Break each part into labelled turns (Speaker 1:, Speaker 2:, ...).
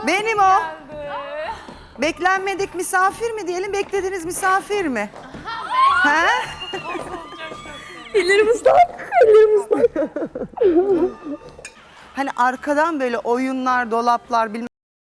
Speaker 1: Benim o. Beklenmedik misafir mi diyelim, beklediğiniz misafir mi? He?
Speaker 2: Ellerim ıslak, ellerim ıslak.
Speaker 1: Hani arkadan böyle oyunlar, dolaplar bilmem.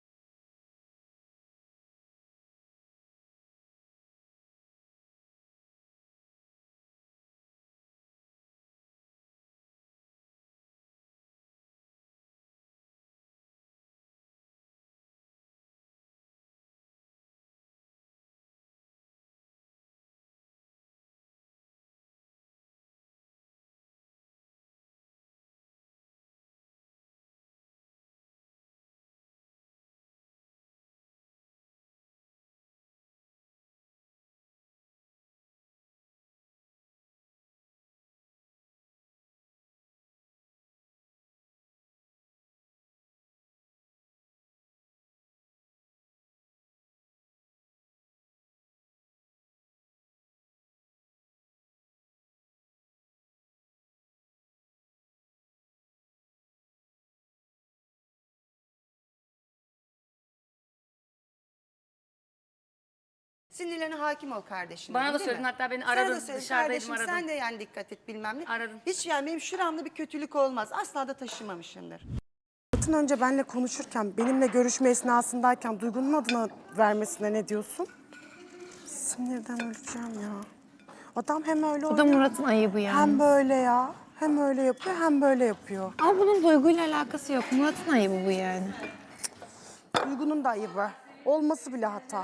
Speaker 1: Sinirlerine hakim ol kardeşim.
Speaker 3: Bana da
Speaker 1: değil
Speaker 3: söyledin,
Speaker 1: mi?
Speaker 3: hatta beni
Speaker 1: Sana
Speaker 3: aradın,
Speaker 1: da söyledim,
Speaker 3: dışarıdaydım,
Speaker 1: kardeşim,
Speaker 3: aradın.
Speaker 1: sen de yani dikkat et bilmem ne.
Speaker 3: Aradın.
Speaker 1: Hiç yani benim şuramda bir kötülük olmaz. Asla da taşımamışımdır.
Speaker 2: Murat'ın önce benimle konuşurken, benimle görüşme esnasındayken Duygu'nun adına vermesine ne diyorsun? Sinirden öleceğim ya. Adam hem öyle
Speaker 4: Bu da
Speaker 2: oynuyor,
Speaker 4: Murat'ın ayıbı yani.
Speaker 2: hem böyle ya. Hem öyle yapıyor, hem böyle yapıyor.
Speaker 4: Ama bunun Duygu'yla alakası yok. Murat'ın ayıbı bu yani.
Speaker 2: Duygu'nun da ayıbı. Olması bile hata.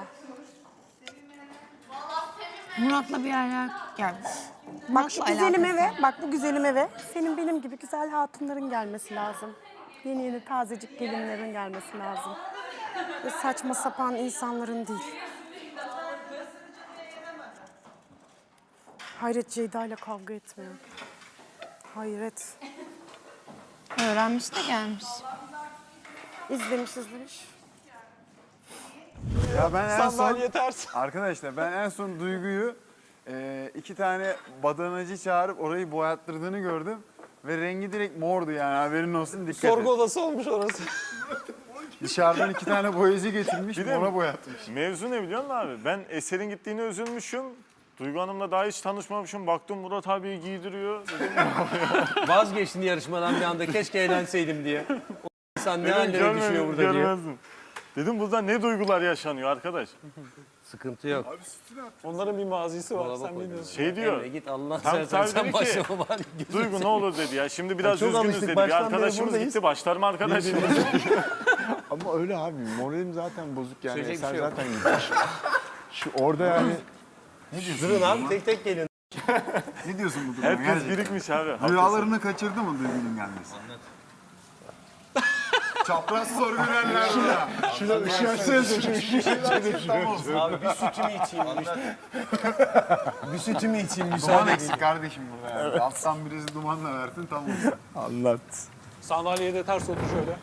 Speaker 4: Murat'la bir yerler gelmiş.
Speaker 2: Bak şu
Speaker 4: Murat'la
Speaker 2: güzelim
Speaker 4: alakası
Speaker 2: eve,
Speaker 4: yok.
Speaker 2: bak bu güzelim eve senin benim gibi güzel hatunların gelmesi lazım. Yeni yeni tazecik gelinlerin gelmesi lazım. Ve saçma sapan insanların değil. Hayret Ceyda ile kavga etmiyor. Hayret.
Speaker 4: Öğrenmiş de gelmiş.
Speaker 2: İzlemiş.
Speaker 5: Ya ben en son,
Speaker 6: Sandalye ters.
Speaker 5: arkadaşlar ben en son Duygu'yu 2 tane badanacı çağırıp orayı boyattırdığını gördüm. Ve rengi direkt mordu yani, haberin olsun, dikkat
Speaker 6: Sorgu
Speaker 5: et.
Speaker 6: odası olmuş orası.
Speaker 5: Dışarıdan 2 tane boyacı getirmiş,
Speaker 7: de
Speaker 5: mora boyatmış.
Speaker 7: Mevzu ne biliyor musun abi? Ben Eser'in gittiğine üzülmüşüm. Duygu Hanım'la daha hiç tanışmamışım. Baktım Murat abi giydiriyor. Dedim,
Speaker 8: Vazgeçtin yarışmadan bir anda, keşke eğlenseydim diye. O insan ne hallere
Speaker 7: görmedim,
Speaker 8: düşüyor burada diye.
Speaker 7: görmezdim. Dedim burada ne duygular yaşanıyor arkadaş.
Speaker 8: Sıkıntı yok.
Speaker 6: Onların bir mazisi var.
Speaker 8: Dolaba
Speaker 6: Sen
Speaker 8: koy.
Speaker 6: biliyorsun.
Speaker 7: Şey diyor.
Speaker 8: Emre git Allah
Speaker 7: Tam
Speaker 8: sen
Speaker 7: sahibi
Speaker 8: sen
Speaker 7: dedi ki,
Speaker 8: başlama bari.
Speaker 7: Duygu ne olur dedi ya. Şimdi biraz
Speaker 8: çok
Speaker 7: üzgünüz
Speaker 8: alıştık,
Speaker 7: dedi. Bir
Speaker 8: baştan beri
Speaker 7: arkadaşımız
Speaker 8: buradayız.
Speaker 7: gitti. Başlar mı arkadaş?
Speaker 5: Ama öyle abi, moralim zaten bozuk yani.
Speaker 8: Söyleyecek
Speaker 5: Eser
Speaker 8: bir şey yok.
Speaker 5: zaten gitmiş. Şu orada yani...
Speaker 8: Durun abi, tek tek gelin.
Speaker 5: Ne diyorsun bu duruma?
Speaker 7: Herkes
Speaker 5: Gerçekten?
Speaker 7: birikmiş abi. Haklısın.
Speaker 5: Rüyalarını kaçırdı mı Duygu'nun gelmesi? Anlat. Çapraz soru verenler burada. Şurada ışığı açsanıza, şu ışığı.
Speaker 8: Abi bir sütümü içeyim. Bir sütümü içeyim,
Speaker 5: Duman
Speaker 8: müsaade edin.
Speaker 5: eksik kardeşim burada yani. Alttan birisi dumanla versin, tam olsun. Anlat.
Speaker 6: Sandalyeye de ters otur şöyle.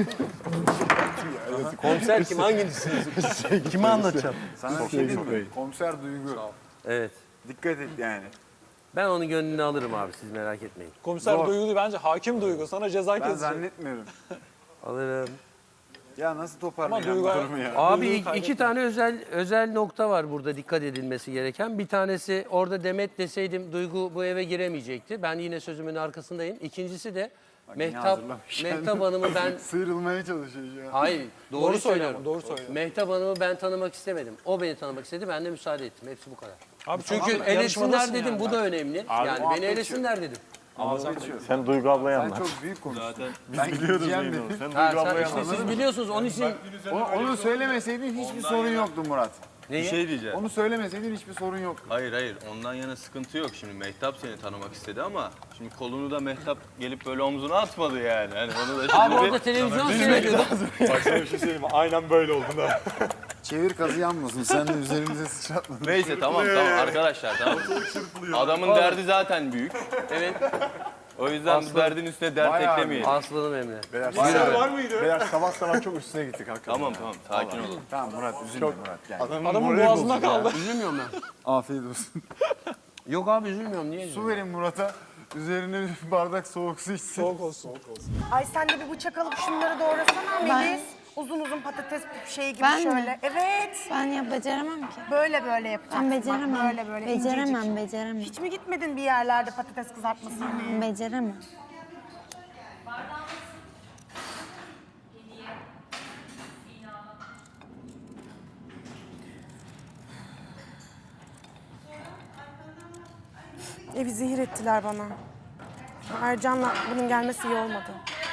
Speaker 8: Komiser kim, hanginizsiniz? Kime anlatacağım?
Speaker 5: Sana bir şey diyeyim mi? Komiser Duygu.
Speaker 8: Evet.
Speaker 5: Dikkat et yani.
Speaker 8: Ben onun gönlünü alırım abi, siz merak etmeyin.
Speaker 6: Komiser
Speaker 5: Zor.
Speaker 6: Duygu değil, bence hakim Duygu. Sana ceza
Speaker 5: Ben
Speaker 6: kesecek.
Speaker 5: zannetmiyorum.
Speaker 8: Alırım.
Speaker 5: Ya nasıl
Speaker 6: Ama
Speaker 5: toparlayacağım bu
Speaker 6: Duygu-
Speaker 5: durumu ya?
Speaker 8: Abi
Speaker 6: Duyguyu
Speaker 8: iki
Speaker 6: kaybetme.
Speaker 8: tane özel nokta var burada dikkat edilmesi gereken. Bir tanesi, orada Demet deseydim Duygu bu eve giremeyecekti. Ben yine sözümün arkasındayım. İkincisi de
Speaker 5: yine hazırlamış
Speaker 8: Mehtap Hanım'ı ben...
Speaker 5: Sıyrılmaya çalışıyor şu an.
Speaker 8: Hayır, doğru
Speaker 6: Doğru söylüyor
Speaker 8: söylüyorum.
Speaker 6: ama, doğru söylüyor.
Speaker 8: Mehtap Hanım'ı ben tanımak istemedim. O beni tanımak istedi, ben de müsaade ettim. Hepsi bu kadar.
Speaker 6: Abi
Speaker 8: Çünkü
Speaker 6: tamam,
Speaker 8: elesinler
Speaker 6: yarışmadasın
Speaker 8: dedim,
Speaker 6: yani.
Speaker 8: bu da önemli.
Speaker 7: Abi,
Speaker 8: yani
Speaker 5: muhabbet
Speaker 8: beni elesinler dedim.
Speaker 7: Sen Duygu ablayı
Speaker 5: Sen
Speaker 7: anlat.
Speaker 5: çok büyük konuştun.
Speaker 7: Biz biliyoruz
Speaker 5: gideceğim
Speaker 7: neyin o.
Speaker 5: dedim.
Speaker 7: Sen
Speaker 8: Ha,
Speaker 7: Duygu
Speaker 8: sen,
Speaker 7: ablayı
Speaker 8: işte
Speaker 7: anlat.
Speaker 8: siz biliyorsunuz, onun için...
Speaker 5: Onu söylemeseydin hiçbir sorun yoktu Murat.
Speaker 8: Neyi?
Speaker 9: Bir şey diyeceğim.
Speaker 5: Onu söylemeseydin hiçbir sorun yoktu.
Speaker 9: Hayır, ondan yana sıkıntı yok. Şimdi Mehtap seni tanımak istedi ama şimdi kolunu da Mehtap gelip böyle omzuna atmadı yani. Hani onu da şimdi
Speaker 8: Abi orada televizyon seyrediyordu.
Speaker 7: Bak sana bir şey söyleyeyim mi? Aynen böyle oldu da.
Speaker 5: Çevir kazı yanmasın. Sen de üzerimize sıçratma.
Speaker 9: Neyse tamam arkadaşlar tamam. Adamın derdi zaten büyük.
Speaker 8: Evet,
Speaker 9: O yüzden bu derdin üstüne dert
Speaker 5: Bayağı
Speaker 9: eklemeyelim.
Speaker 8: aslanım Emre.
Speaker 5: Beyler sabah çok üstüne gittik hakikaten.
Speaker 9: Tamam sakin olun.
Speaker 5: Tamam Murat, üzülme Murat. Gel.
Speaker 6: Adamın boğazında kaldı.
Speaker 8: Üzülmüyorum ben.
Speaker 5: Afiyet olsun.
Speaker 8: Yok abi üzülmüyorum, niye
Speaker 5: Su
Speaker 8: üzülüyorum?
Speaker 5: verin Murat'a. Üzerine bir bardak soğuk su içsin.
Speaker 6: Soğuk olsun.
Speaker 2: Ay sen de bir bıçak alıp şunları doğrasana Melis. Uzun uzun patates şeyi gibi
Speaker 4: Ben mi?
Speaker 2: şöyle. Evet.
Speaker 4: Ben ya beceremem ki.
Speaker 2: Böyle böyle yapacaksın.
Speaker 4: Ben
Speaker 2: Bak,
Speaker 4: beceremem.
Speaker 2: böyle böyle
Speaker 4: Beceremem,
Speaker 2: incecik.
Speaker 4: beceremem.
Speaker 2: Hiç mi gitmedin bir yerlerde patates kızartması yemeye?
Speaker 4: Beceremem.
Speaker 2: Evi zehir ettiler bana. Ercan'la bunun gelmesi iyi olmadı.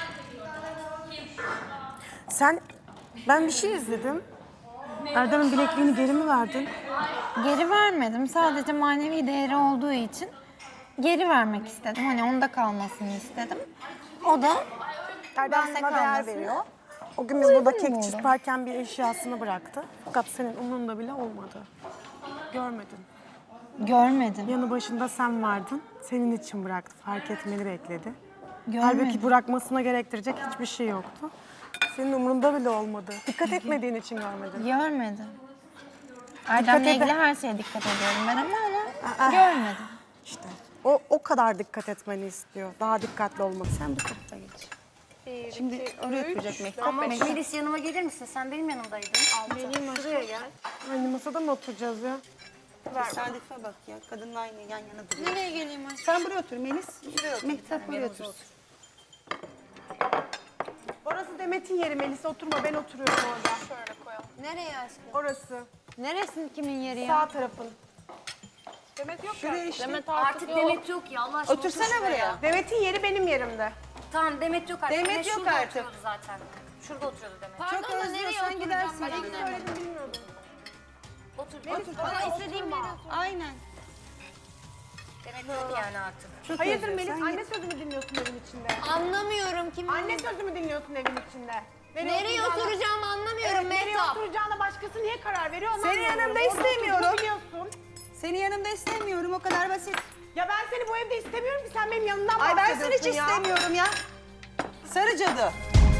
Speaker 2: Ben bir şey izledim. Erdem'in bilekliğini geri mi verdin?
Speaker 4: Geri vermedim. Sadece manevi değeri olduğu için geri vermek istedim. Hani onda kalmasını istedim. O da
Speaker 2: Erdem
Speaker 4: Bende
Speaker 2: buna değer
Speaker 4: kalmasını.
Speaker 2: veriyor. O gün biz burada
Speaker 4: Öyle mi
Speaker 2: kek
Speaker 4: oldu?
Speaker 2: çırparken bir eşyasını bıraktı. Fakat senin umurunda bile olmadı. Görmedin.
Speaker 4: görmedim.
Speaker 2: Yanı başında sen vardın. Senin için bıraktı. Fark etmeni bekledi.
Speaker 4: Görmedim.
Speaker 2: Halbuki bırakmasına gerektirecek hiçbir şey yoktu. Senin umurunda bile olmadı. Dikkat etmediğin için görmedin.
Speaker 4: Görmedim. Erdem'le
Speaker 2: ede-
Speaker 4: ilgili her şeye dikkat ediyorum ben ama onu görmedim.
Speaker 2: İşte o kadar dikkat etmeni istiyor. Daha dikkatli olmak. Sen bu tarafa geç.
Speaker 3: Şimdi oraya oturacak Mehtap.
Speaker 10: Ama Melis yanıma gelir misin? Sen benim yanımdaydın. Şuraya gel.
Speaker 2: Aynı masada mı oturacağız ya?
Speaker 3: Tesadüfe bak ya. Kadınla aynı yan yana duruyor.
Speaker 4: Nereye geleyim aşkım?
Speaker 3: Sen buraya otur Melis. Mehtap buraya otursun.
Speaker 2: Orası Demet'in yeri. Melis oturma. Ben oturuyorum orada.
Speaker 4: Nereye aşkım?
Speaker 2: Orası.
Speaker 4: Neresi kimin yeri ya?
Speaker 2: Sağ tarafın.
Speaker 3: Şuraya işte.
Speaker 10: Artık Demet yok ya Allah aşkına.
Speaker 3: Otursana
Speaker 10: otur şuraya.
Speaker 3: buraya.
Speaker 2: Demet'in yeri benim yerimde.
Speaker 10: Tamam Demet yok artık.
Speaker 3: Demet
Speaker 10: Demet
Speaker 3: yok
Speaker 10: şurada
Speaker 3: artık.
Speaker 10: oturuyordu zaten. Şurada oturuyordu Demet.
Speaker 3: Çok özlüyorsan gidersin.
Speaker 10: Otur Melis. Bana istediğim yere otur.
Speaker 3: Aynen.
Speaker 10: Demet yok yani artık.
Speaker 2: Hayırdır Melis? Anne sözümü dinliyorsun evin içinde.
Speaker 4: Anlamıyorum kimin
Speaker 2: Anne sözümü dinliyorsun evin içinde.
Speaker 4: Nereye oturacağımı anlamıyorum
Speaker 2: Nereye
Speaker 4: Mehtap.
Speaker 2: oturacağına başkası niye karar veriyor? Onu
Speaker 3: Senin
Speaker 2: anlamıyorum.
Speaker 3: yanımda
Speaker 2: Orada
Speaker 3: istemiyorum.
Speaker 2: oturduğunu biliyorsun.
Speaker 3: Seni yanımda istemiyorum. O kadar basit.
Speaker 2: Ya ben seni bu evde istemiyorum ki sen benim yanımdan
Speaker 3: Ay ben
Speaker 2: bahsediyorsun
Speaker 3: seni hiç
Speaker 2: ya.
Speaker 3: istemiyorum ya. Sarı cadı.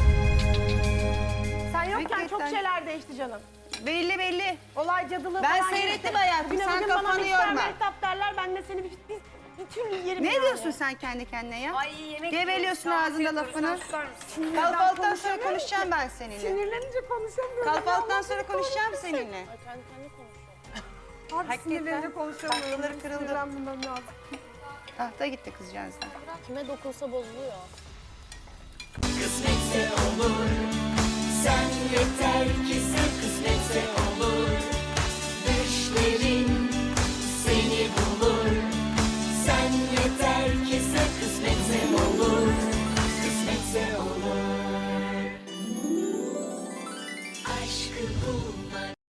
Speaker 2: Sen yokken çok
Speaker 3: Hakikaten.
Speaker 2: şeyler değişti canım.
Speaker 3: Belli belli.
Speaker 2: Olay cadılığı
Speaker 3: Ben
Speaker 2: falan
Speaker 3: seyrettim
Speaker 2: geçti.
Speaker 3: hayatım,
Speaker 2: Bugüne
Speaker 3: sen
Speaker 2: bugün bana
Speaker 3: kafanı
Speaker 2: mikser
Speaker 3: yorma.
Speaker 2: mehtap derler ben de seni bir türlü yerim
Speaker 3: Ne
Speaker 2: yani.
Speaker 3: diyorsun sen kendi kendine ya?
Speaker 10: Ay yemek
Speaker 3: Geveliyorsun
Speaker 10: yiyoruz,
Speaker 3: ağzında
Speaker 10: kahvaltı
Speaker 3: lafını.
Speaker 10: yapıyoruz, sen susar mısın?
Speaker 3: Kahvaltıdan sonra konuşacağım ben seninle.
Speaker 2: Sinirlenince konuşamıyorum.
Speaker 3: Kahvaltıdan sonra konuşacağım seninle.
Speaker 2: Abi sinirlenince konuşamıyorum.
Speaker 3: Tahtaları kırıldı.
Speaker 2: Sinirlenmem lazım.
Speaker 3: Tahta gitti kızcağızdan.
Speaker 4: Kime dokunsa bozuluyor.
Speaker 11: Kısmetse olur. Sen yeter ki sen kısmetse olur. Düşlerin seni bulur. Sen yeter ki sen kısmetse olur. Kısmetse olur. Aşkı bul.